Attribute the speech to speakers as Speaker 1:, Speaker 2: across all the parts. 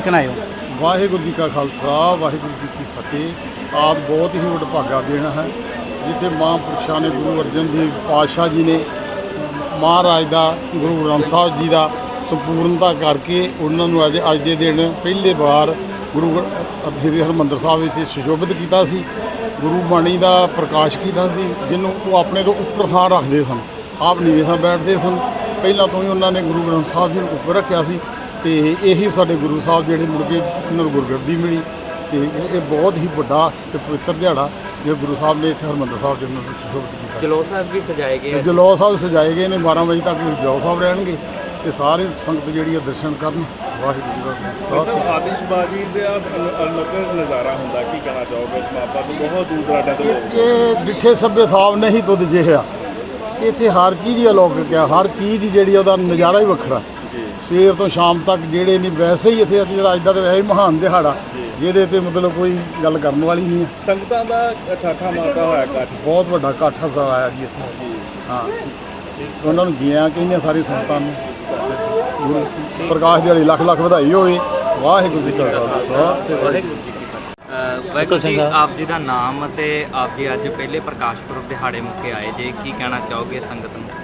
Speaker 1: ਕੇ ਆਏ ਹੋ?
Speaker 2: ਵਾਹਿਗੁਰੂ ਜੀ ਕਾ ਖਾਲਸਾ ਵਾਹਿਗੁਰੂ ਜੀ ਕੀ ਫਤਿਹ। ਆਪ ਬਹੁਤ ਹੀ ਵਡਭਾਗਾ ਦੇਣਾ ਹੈ ਜਿੱਥੇ ਮਹਾਂਪੁਰਸ਼ਾਂ ਨੇ ਗੁਰੂ ਅਰਜਨ ਦੇਵ ਪਾਤਸ਼ਾਹ ਜੀ ਨੇ ਮਹਾਰਾਜ ਦਾ ਗੁਰੂ ਗ੍ਰੰਥ ਸਾਹਿਬ ਜੀ ਦਾ ਸੰਪੂਰਨਤਾ ਕਰਕੇ ਉਹਨਾਂ ਨੂੰ ਅੱਜ ਦੇ ਦਿਨ ਪਹਿਲੇ ਵਾਰ ਗੁਰੂ ਸ੍ਰੀ ਹਰਿਮੰਦਰ ਸਾਹਿਬ ਵਿੱਚ ਸੁਸ਼ੋਭਿਤ ਕੀਤਾ ਸੀ। ਗੁਰੂ ਬਾਣੀ ਦਾ ਪ੍ਰਕਾਸ਼ ਕੀਤਾ ਸੀ, ਜਿਹਨੂੰ ਉਹ ਆਪਣੇ ਤੋਂ ਉੱਪਰ ਥਾਂ ਰੱਖਦੇ ਸਨ। ਆਪ ਨੀਵੇਂ ਥਾਂ ਬੈਠਦੇ ਸਨ। ਪਹਿਲਾਂ ਤੋਂ ਹੀ ਉਹਨਾਂ ਨੇ ਗੁਰੂ ਗ੍ਰੰਥ ਸਾਹਿਬ ਜੀ ਨੂੰ ਉੱਪਰ ਰੱਖਿਆ ਸੀ ਅਤੇ ਇਹੀ ਸਾਡੇ ਗੁਰੂ ਸਾਹਿਬ ਜਿਹੜੇ ਮੁੜ ਕੇ ਉਹਨਾਂ ਨੂੰ ਗੁਰਗੱਦੀ ਮਿਲੀ। ਅਤੇ ਇਹ ਬਹੁਤ ਹੀ ਵੱਡਾ ਅਤੇ ਪਵਿੱਤਰ ਦਿਹਾੜਾ ਜੋ ਗੁਰੂ ਸਾਹਿਬ ਨੇ ਇੱਥੇ ਹਰਿਮੰਦਰ ਸਾਹਿਬ ਜੀ ਨੂੰ ਸੁਸ਼ੋਭਿਤ ਕੀਤਾ।
Speaker 3: ਜਲੌ ਸਾਹਿਬ ਵੀ ਸਜਾਏ ਗਏ।
Speaker 2: ਜਲੌ ਸਾਹਿਬ ਸਜਾਏ ਗਏ ਨੇ। 12 ਵਜੇ ਤੱਕ ਜਲੌ ਸਾਹਿਬ ਰਹਿਣਗੇ ਅਤੇ ਸਾਰੇ ਸੰਗਤ ਜਿਹੜੀ ਹੈ ਦਰਸ਼ਨ ਕਰਨ। ਵਾਹਿਗੁਰੂ ਜੀ ਦਾ ਖਾਲਸਾ।
Speaker 4: ਆਤਿਸ਼ਬਾਜ਼ੀ ਦਾ ਅਲੱਗ ਨਜ਼ਾਰਾ ਹੁੰਦਾ, ਕੀ ਕਹਿਣਾ ਚਾਹੋਗੇ ਇਸ ਮਾਪਾ ਨੂੰ? ਬਹੁਤ ਦੂਰ ਦਰਾਡੇ ਤੋਂ ਲੋਕ
Speaker 2: ਇਹ ਡਿੱਠੇ ਸੱਭੇ ਸਾਹਿਬ ਨਹੀਂ ਤੁਧ ਜਿਹਾ। ਇੱਥੇ ਹਰ ਚੀਜ਼ ਹੀ ਅਲੌਕਿਕ ਆ, ਹਰ ਚੀਜ਼ ਜਿਹੜੀ ਉਹਦਾ ਨਜ਼ਾਰਾ ਹੀ ਵੱਖਰਾ। ਸਵੇਰ ਤੋਂ ਸ਼ਾਮ ਤੱਕ ਜਿਹੜੇ ਨਹੀਂ ਵੈਸੇ ਹੀ ਇੱਥੇ ਜਿਹੜਾ ਅੱਜ ਦਾ ਤਾਂ ਵੈਸੇ ਹੀ ਮਹਾਨ ਦਿਹਾੜਾ ਜਿਹਦੇ 'ਤੇ ਮਤਲਬ ਕੋਈ ਗੱਲ ਕਰਨ ਵਾਲੀ ਨਹੀਂ ਹੈ।
Speaker 4: ਸੰਗਤਾਂ ਦਾ ਠਾਠਾ ਮਾਰਦਾ ਹੋਇਆ ਇਕੱਠ,
Speaker 2: ਬਹੁਤ ਵੱਡਾ ਇਕੱਠ ਹਸਾ ਆਇਆ ਜੀ ਇੱਥੇ। ਹਾਂ, ਉਹਨਾਂ ਨੂੰ ਜੀਆਂ ਕਹਿੰਦੇ ਸਾਰੀ ਸੰਗਤਾਂ ਨੂੰ। ਗੁਰੂ ਪ੍ਰਕਾਸ਼ ਦਿਹਾੜੀ ਲੱਖ ਲੱਖ ਵਧਾਈ ਹੋਵੇ। ਵਾਹਿਗੁਰੂ ਜੀ ਕਾ ਖਾਲਸਾ ਤੇ ਵਾਹਿਗੁਰੂ ਜੀ ਕੀ ਫਤਿਹ।
Speaker 3: ਵਾਹਿਗੁਰੂ ਜੀ, ਆਪ ਜੀ ਦਾ ਨਾਮ ਅਤੇ ਆਪ ਜੀ ਅੱਜ ਪਹਿਲੇ ਪ੍ਰਕਾਸ਼ ਪੁਰਬ ਦਿਹਾੜੇ ਮੌਕੇ ਆਏ ਜੇ, ਕੀ ਕਹਿਣਾ ਚਾਹੋਗੇ ਸੰਗਤ ਨੂੰ?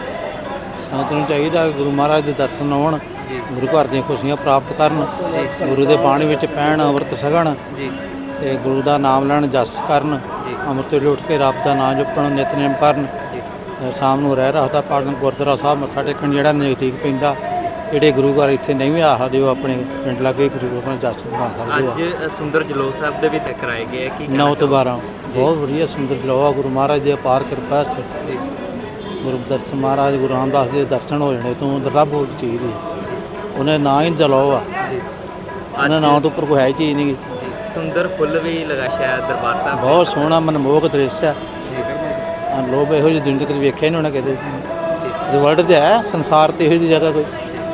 Speaker 1: ਸੰਗਤ ਨੂੰ ਚਾਹੀਦਾ ਗੁਰੂ ਮਹਾਰਾਜ ਦੇ ਦਰਸ਼ਨ ਆਉਣ,
Speaker 3: ਜੀ
Speaker 1: ਗੁਰੂ ਘਰ ਦੀਆਂ ਖੁਸ਼ੀਆਂ ਪ੍ਰਾਪਤ ਕਰਨ, ਗੁਰੂ ਦੇ ਬਾਣੀ ਵਿੱਚ ਪੈਣ, ਅੰਮ੍ਰਿਤ ਛਕਣ
Speaker 3: ਜੀ
Speaker 1: ਤੇ ਗੁਰੂ ਦਾ ਨਾਮ ਲੈਣ, ਜਸ ਕਰਨ,
Speaker 3: ਜੀ
Speaker 1: ਅੰਮ੍ਰਿਤ ਵੇਲੇ ਉੱਠ ਕੇ ਰੱਬ ਦਾ ਨਾਮ ਜਪਣ, ਨਿਤਨੇਮ ਕਰਨ,
Speaker 3: ਜੀ
Speaker 1: ਸ਼ਾਮ ਨੂੰ ਰਹਿ ਰਹਾ ਪੜ੍ਹਨ, ਗੁਰਦੁਆਰਾ ਸਾਹਿਬ ਮੱਥਾ ਟੇਕਣ ਜਿਹੜਾ ਨਜ਼ਦੀਕ ਪੈਂਦਾ। ਜਿਹੜੇ ਗੁਰੂ ਘਰ ਇੱਥੇ ਨਹੀਂ ਵੀ ਆ ਸਕਦੇ ਉਹ ਆਪਣੇ ਪਿੰਡ ਲਾਗੇ ਗੁਰੂ ਆਪਣਾ ਜਸ ਬਣਾ ਸਕਦੇ ਆ।
Speaker 3: ਅੱਜ ਸੁੰਦਰ ਜਲੌ ਸਾਹਿਬ ਦੇ ਵੀ ਕਰਾਏ ਗਏ, ਕੀ
Speaker 1: 9 ਤੋਂ 12 ਬਹੁਤ ਵਧੀਆ ਸੁੰਦਰ ਜਲੌਆ। ਗੁਰੂ ਮਹਾਰਾਜ ਦੀ ਅਪਾਰ ਕਿਰਪਾ ਇੱਥੇ।
Speaker 3: ਜੀ
Speaker 1: ਗੁਰੂ ਦਰਸ਼ਨ ਮਹਾਰਾਜ ਗੁਰੂ ਰਾਮਦਾਸ ਦੇ ਦਰਸ਼ਨ ਹੋ ਜਾਣੇ ਤੋਂ ਰੱਬ ਹੋ ਚੀਜ਼ ਦੀ ਉਹਨੇ ਨਾਂ ਹੀ ਜਲੌਆ।
Speaker 3: ਜੀ
Speaker 1: ਉਹਨਾਂ ਨਾਂ ਤੋਂ ਉੱਪਰ ਕੋਈ ਹੈ ਹੀ ਚੀਜ਼ ਨਹੀਂ।
Speaker 3: ਜੀ ਸੁੰਦਰ ਫੁੱਲ ਵੀ ਲਗਾ ਸ਼ਾਇਦ ਦਰਬਾਰ ਸਾਹਿਬ।
Speaker 1: ਬਹੁਤ ਸੋਹਣਾ ਮਨਮੋਹਕ ਦ੍ਰਿਸ਼ ਆ।
Speaker 3: ਜੀ
Speaker 1: ਲੋਕ ਇਹੋ ਜਿਹੀ ਦੁਨੀਆ ਕਦੇ ਵੇਖਿਆ ਨਹੀਂ ਹੋਣਾ ਕਿਤੇ।
Speaker 3: ਜੀ
Speaker 1: ਵਰਲਡ ਤੇ ਹੈ ਸੰਸਾਰ ਤੇ ਇਹੋ ਜਿਹੀ ਜਗ੍ਹਾ ਕੋਈ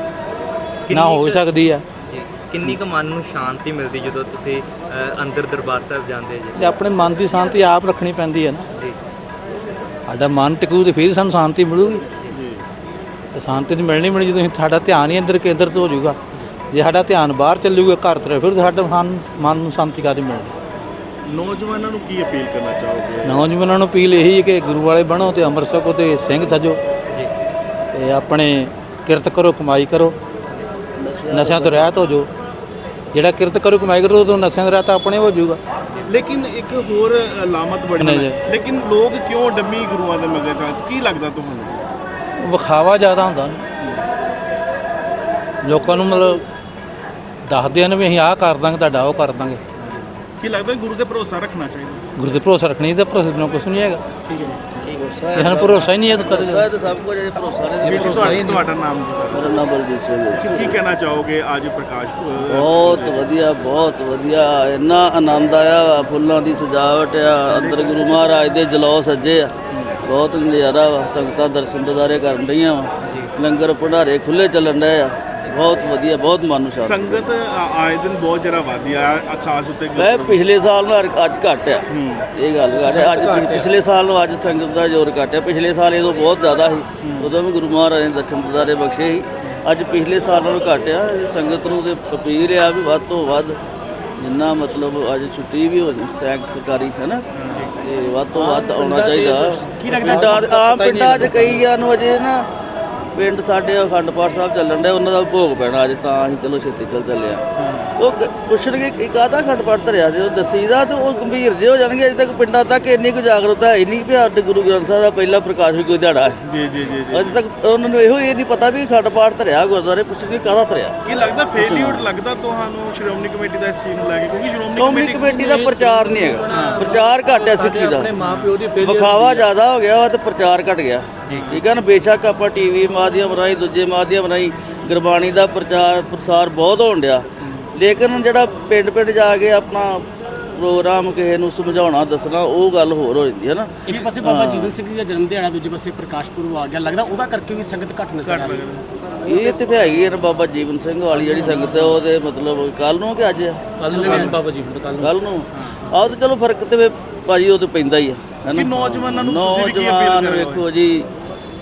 Speaker 1: ਨਾ ਹੋ ਸਕਦੀ ਆ।
Speaker 3: ਜੀ ਕਿੰਨੀ ਕੁ ਮਨ ਨੂੰ ਸ਼ਾਂਤੀ ਮਿਲਦੀ ਜਦੋਂ ਤੁਸੀਂ ਅੰਦਰ ਦਰਬਾਰ ਸਾਹਿਬ ਜਾਂਦੇ ਜੀ?
Speaker 1: ਤੇ ਆਪਣੇ ਮਨ ਦੀ ਸ਼ਾਂਤੀ ਆਪ ਰੱਖਣੀ ਪੈਂਦੀ ਹੈ ਨਾ।
Speaker 3: ਜੀ
Speaker 1: ਸਾਡਾ ਮਨ ਟਿਕੂ ਤੇ ਫਿਰ ਸਾਨੂੰ ਸ਼ਾਂਤੀ ਮਿਲੂਗੀ। ਤੇ ਸ਼ਾਂਤੀ ਤਾਂ ਮਿਲਣੀ ਜਦੋਂ ਸਾਡਾ ਧਿਆਨ ਹੀ ਅੰਦਰ ਕੇਂਦਰਿਤ ਹੋ ਜਾਊਗਾ। ਜੇ ਸਾਡਾ ਧਿਆਨ ਬਾਹਰ ਚੱਲੂਗਾ ਘਰ ਤਰ੍ਹਾਂ ਫਿਰ ਸਾਡਾ ਮਨ ਨੂੰ ਸ਼ਾਂਤੀ ਕਾਹਦੀ ਮਿਲਣੀ।
Speaker 4: ਨੌਜਵਾਨਾਂ ਨੂੰ ਕੀ ਅਪੀਲ ਕਰਨਾ ਚਾਹੋਗੇ?
Speaker 1: ਨੌਜਵਾਨਾਂ ਨੂੰ ਅਪੀਲ ਇਹੀ ਹੈ ਕਿ ਗੁਰੂ ਵਾਲੇ ਬਣੋ ਤੇ ਅੰਮ੍ਰਿਤ ਛਕੋ ਤੇ ਸਿੰਘ ਸਜੋ
Speaker 3: ਜੀ
Speaker 1: ਤੇ ਆਪਣੇ ਕਿਰਤ ਕਰੋ, ਕਮਾਈ ਕਰੋ, ਨਸ਼ਿਆਂ ਤੋਂ ਰਹਿਤ ਹੋ ਜਾਓ। ਜਿਹੜਾ ਕਿਰਤ ਕਰੋ, ਕਮਾਈ ਕਰੋ ਤਾਂ ਨਸ਼ਿਆਂ ਤੋਂ ਰਹਿਤ ਆਪਣੇ ਹੋ ਜਾਊਗਾ।
Speaker 4: ਲੇਕਿਨ ਇੱਕ ਹੋਰ ਲਾਮਤ ਬੜੀ
Speaker 1: ਨਹੀਂ
Speaker 4: ਹੈ,
Speaker 1: ਜੀ।
Speaker 4: ਲੇਕਿਨ ਲੋਕ ਕਿਉਂ ਡੰਮੀ ਗੁਰੂਆਂ ਦੇ ਮਗਰ ਚੱਲ? ਕੀ ਲੱਗਦਾ ਤੁਹਾਨੂੰ?
Speaker 1: ਵਿਖਾਵਾ ਜ਼ਿਆਦਾ ਹੁੰਦਾ ਨਾ। ਲੋਕਾਂ ਨੂੰ ਮਤਲਬ ਦੱਸਦੇ ਨੇ ਵੀ ਅਸੀਂ ਆਹ ਕਰ ਦਾਂਗੇ, ਤੁਹਾਡਾ ਉਹ ਕਰ ਦਾਂਗੇ।
Speaker 4: ਕੀ ਲੱਗਦਾ ਗੁਰੂ ਤੇ ਭਰੋਸਾ ਰੱਖਣਾ ਚਾਹੀਦਾ?
Speaker 1: ਗੁਰੂ ਤੇ ਭਰੋਸਾ ਰੱਖਣੀ ਤੇ ਭਰੋਸੇ ਬਿਨਾਂ ਕੁਛ ਨਹੀਂ ਹੈਗਾ।
Speaker 4: ਠੀਕ ਹੈ
Speaker 1: ਜੇ ਸਾਨੂੰ ਭਰੋਸਾ ਹੀ ਨਹੀਂ ਹੈ ਤਾਂ ਕਦੇ
Speaker 5: ਤਾਂ ਸਭ ਕੁਝ ਹੈ, ਭਰੋਸਾ ਨਹੀਂ।
Speaker 4: ਵੀਰ ਜੀ, ਤੁਹਾਡਾ ਨਾਮ ਜੀ?
Speaker 5: ਮੇਰਾ ਨਾਮ ਬਲਜੀਤ ਸਿੰਘ ਹੈ।
Speaker 4: ਕੀ ਕਹਿਣਾ ਚਾਹੋਗੇ ਅੱਜ ਪ੍ਰਕਾਸ਼
Speaker 5: ਬਹੁਤ ਵਧੀਆ, ਬਹੁਤ ਵਧੀਆ। ਇੰਨਾ ਆਨੰਦ ਆਇਆ। ਫੁੱਲਾਂ ਦੀ ਸਜਾਵਟ ਆ, ਅੰਦਰ ਗੁਰੂ ਮਹਾਰਾਜ ਦੇ ਜਲੌ ਸੱਜੇ ਆ। ਬਹੁਤ ਨਜ਼ਾਰਾ ਵਾ। ਸੰਗਤਾਂ ਦਰਸ਼ਨ ਦਿਦਾਰੇ ਕਰਨ ਰਹੀਆਂ ਵਾ। ਲੰਗਰ ਭੰਡਾਰੇ ਖੁੱਲ੍ਹੇ ਚੱਲਣ ਡਏ ਆ। ਬਹੁਤ ਵਧੀਆ, ਬਹੁਤ ਮਨ ਨੂੰ ਸ਼ਾਂਤੀ।
Speaker 4: ਸੰਗਤ ਆਏ ਦਿਨ ਬਹੁਤ ਜ਼ਿਆਦਾ ਵਧੀ ਆ, ਖਾਸ ਉੱਤੇ
Speaker 5: ਮੈਂ ਪਿਛਲੇ ਸਾਲ ਨੂੰ ਅੱਜ ਘੱਟ ਆ। ਇਹ ਗੱਲ ਘੱਟ ਆ। ਅੱਜ ਪਿਛਲੇ ਸਾਲ ਨੂੰ ਅੱਜ ਸੰਗਤ ਦਾ ਜ਼ੋਰ ਘੱਟ ਆ। ਪਿਛਲੇ ਸਾਲ ਇਹ ਤੋਂ ਬਹੁਤ ਜ਼ਿਆਦਾ ਸੀ। ਉਦੋਂ ਵੀ ਗੁਰੂ ਮਹਾਰਾਜ ਨੇ ਦਰਸ਼ਨ ਦਿਦਾਰੇ ਬਖਸ਼ੇ ਸੀ। ਅੱਜ ਪਿਛਲੇ ਸਾਲ ਨਾਲੋਂ ਘੱਟ ਆ। ਸੰਗਤ ਨੂੰ ਤੇ ਅਪੀਲ ਆ ਵੀ ਵੱਧ ਤੋਂ ਵੱਧ ਜਿੰਨਾ ਮਤਲਬ ਅੱਜ ਛੁੱਟੀ ਵੀ ਹੋ ਸੈਂਕ ਸਰਕਾਰੀ ਹੈ ਨਾ, ਤੇ ਵੱਧ ਤੋਂ ਵੱਧ ਆਉਣਾ ਚਾਹੀਦਾ। ਪਿੰਡਾਂ 'ਚ ਕਈਆਂ ਨੂੰ ਅਜੇ ਨਾ ਪਿੰਡ ਸਾਡੇ ਅਖੰਡ ਪਾਠ ਸਾਹਿਬ ਚੱਲਣ ਡਿਆ, ਉਹਨਾਂ ਦਾ ਭੋਗ ਪੈਣਾ ਅੱਜ, ਤਾਂ ਅਸੀਂ ਚਲੋ ਛੇਤੀ ਚੱਲੇ ਆ। ਉਹ ਪੁੱਛਣਗੇ ਕਿ ਕਾਹਦਾ ਅਖੰਡ ਪਾਠ ਧਰਿਆ ਜੇ ਉਹ ਦੱਸੀਦਾ ਤੇ ਉਹ ਗੰਭੀਰ ਜਿਹੇ ਹੋ ਜਾਣਗੇ। ਅਜੇ ਤੱਕ ਪਿੰਡਾਂ ਤੱਕ ਇੰਨੀ ਕੁ ਜਾਗਰੂਕਤਾ ਹੈ ਨਹੀਂ ਵੀ ਸਾਡੇ ਗੁਰੂ ਗ੍ਰੰਥ ਸਾਹਿਬ ਦਾ ਪਹਿਲਾ ਪ੍ਰਕਾਸ਼ ਵੀ ਕੋਈ ਦਿਹਾੜਾ ਹੈ।
Speaker 4: ਜੀ ਜੀ ਜੀ
Speaker 5: ਅਜੇ ਤੱਕ ਉਹਨਾਂ ਨੂੰ ਇਹੋ ਇਹ ਨਹੀਂ ਪਤਾ ਵੀ ਅਖੰਡ ਪਾਠ ਧਰਿਆ ਗੁਰਦੁਆਰੇ। ਪੁੱਛਣਗੇ ਕਾਹਦਾ ਧਰਿਆ।
Speaker 4: ਕੀ ਲੱਗਦਾ ਫੇਲਿਊਰ ਲੱਗਦਾ ਤੁਹਾਨੂੰ ਸ਼੍ਰੋਮਣੀ ਕਮੇਟੀ ਦਾ ਇਸ ਚੀਜ਼ ਨੂੰ ਲੈ ਕੇ? ਕਿਉਂਕਿ
Speaker 5: ਸ਼੍ਰੋਮਣੀ ਕਮੇਟੀ ਦਾ ਪ੍ਰਚਾਰ ਨਹੀਂ ਹੈਗਾ। ਪ੍ਰਚਾਰ ਘੱਟ ਹੈ ਸਿੱਖੀ ਦਾ। ਵਿਖਾਵਾ ਜ਼ਿਆਦਾ ਹੋ ਗਿਆ ਵਾ ਤੇ ਪ੍ਰਚਾਰ ਘੱਟ ਗਿਆ। ਠੀਕ ਹੈ ਨਾ। ਬੇਸ਼ੱਕ ਆਪਾਂ ਟੀਵੀ ਮਾਧਿਅਮ ਰਾਹੀਂ, ਦੂਜੇ ਮਾਧਿਅਮ ਰਾਹੀਂ ਗੁਰਬਾਣੀ ਦਾ ਪ੍ਰਚਾਰ ਪ੍ਰਸਾਰ ਬਹੁਤ ਹੋਣ ਡਿਆ, ਲੇਕਿਨ ਜਿਹੜਾ ਪਿੰਡ ਪਿੰਡ ਜਾ ਕੇ ਆਪਣਾ ਪ੍ਰੋਗਰਾਮ ਕਿਸੇ ਨੂੰ ਸਮਝਾਉਣਾ ਦੱਸਣਾ ਉਹ ਗੱਲ ਹੋਰ ਹੋ ਜਾਂਦੀ ਹੈ ਨਾ।
Speaker 6: ਇੱਕ ਪਾਸੇ ਬਾਬਾ ਜੀਵਨ ਸਿੰਘ ਜੀ ਦਾ ਜਨਮ ਦਿਹਾੜਾ, ਦੂਜੇ ਪਾਸੇ ਪ੍ਰਕਾਸ਼ ਪੁਰਬ ਆ ਗਿਆ। ਲੱਗਦਾ ਉਹਦਾ ਕਰਕੇ ਵੀ ਸੰਗਤ ਘੱਟ ਨਜ਼ਰ ਆ ਰਹੀ ਹੈ।
Speaker 5: ਇਹ ਤੇ ਹੈਗੀ ਹੈ ਨਾ ਬਾਬਾ ਜੀਵਨ ਸਿੰਘ ਵਾਲੀ ਜਿਹੜੀ ਸੰਗਤ ਹੈ ਉਹਦੇ ਮਤਲਬ ਕੱਲ ਨੂੰ ਕਿ ਅੱਜ ਆ?
Speaker 1: ਬਾਬਾ ਜੀ
Speaker 5: ਕੱਲ ਨੂੰ ਆਹ ਤੇ ਚਲੋ ਫਰਕ ਤੇ ਭਾਜੀ ਉਹ ਤੇ ਪੈਂਦਾ ਹੀ ਆ।
Speaker 4: ਕਿ ਨੌਜਵਾਨਾਂ ਨੂੰ ਤੁਸੀਂ ਵੀ ਕੀ ਅਪੀਲ
Speaker 5: ਨੌਜਵਾਨ
Speaker 4: ਕਰ ਰਹੇ ਹੋ?
Speaker 5: ਵੇਖੋ ਜੀ,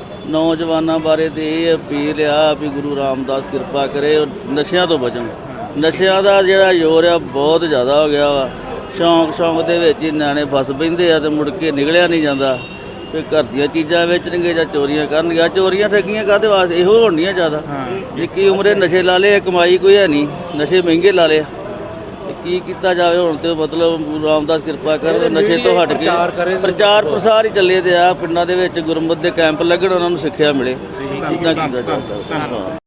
Speaker 5: ਨੌਜਵਾਨਾਂ ਬਾਰੇ ਤੇ ਇਹ ਅਪੀਲ ਆ ਵੀ ਗੁਰੂ ਰਾਮਦਾਸ ਕਿਰਪਾ ਕਰੇ ਨਸ਼ਿਆਂ ਤੋਂ ਬਚਣ। ਨਸ਼ਿਆਂ ਦਾ ਜਿਹੜਾ ਜ਼ੋਰ ਆ ਬਹੁਤ ਜ਼ਿਆਦਾ ਹੋ ਗਿਆ ਵਾ। ਸ਼ੌਂਕ ਦੇ ਵਿੱਚ ਹੀ ਨਿਆਣੇ ਫਸ ਪੈਂਦੇ ਆ ਤੇ ਮੁੜ ਕੇ ਨਿਕਲਿਆ ਨਹੀਂ ਜਾਂਦਾ। ਤੇ ਘਰ ਦੀਆਂ ਚੀਜ਼ਾਂ ਵੇਚਣਗੇ ਜਾਂ ਚੋਰੀਆਂ ਕਰਨਗੇ। ਚੋਰੀਆਂ ਠੱਗੀਆਂ ਕਾਹਦੇ ਵਾਸਤੇ? ਇਹੋ ਹੋਣੀਆਂ ਜ਼ਿਆਦਾ। ਨਿੱਕੀ ਉਮਰੇ ਨਸ਼ੇ ਲਾ ਲਏ, ਕਮਾਈ ਕੋਈ ਹੈ ਨਹੀਂ, ਨਸ਼ੇ ਮਹਿੰਗੇ ਲਾ ਲਏ ਤੇ ਕੀ ਕੀਤਾ ਜਾਵੇ ਹੁਣ? ਤੇ ਮਤਲਬ ਗੁਰੂ ਰਾਮਦਾਸ ਕਿਰਪਾ ਕਰ ਨਸ਼ੇ ਤੋਂ ਹਟ ਕੇ ਪ੍ਰਚਾਰ ਪ੍ਰਸਾਰ ਹੀ ਚੱਲੇ ਤੇ ਆ। ਪਿੰਡਾਂ ਦੇ ਵਿੱਚ ਗੁਰਮਤਿ ਦੇ ਕੈਂਪ ਲੱਗਣ, ਉਹਨਾਂ ਨੂੰ ਸਿੱਖਿਆ ਮਿਲੇ, ਚੀਜ਼ਾਂ ਕੀਤਾ ਜਾ ਸਕਦਾ।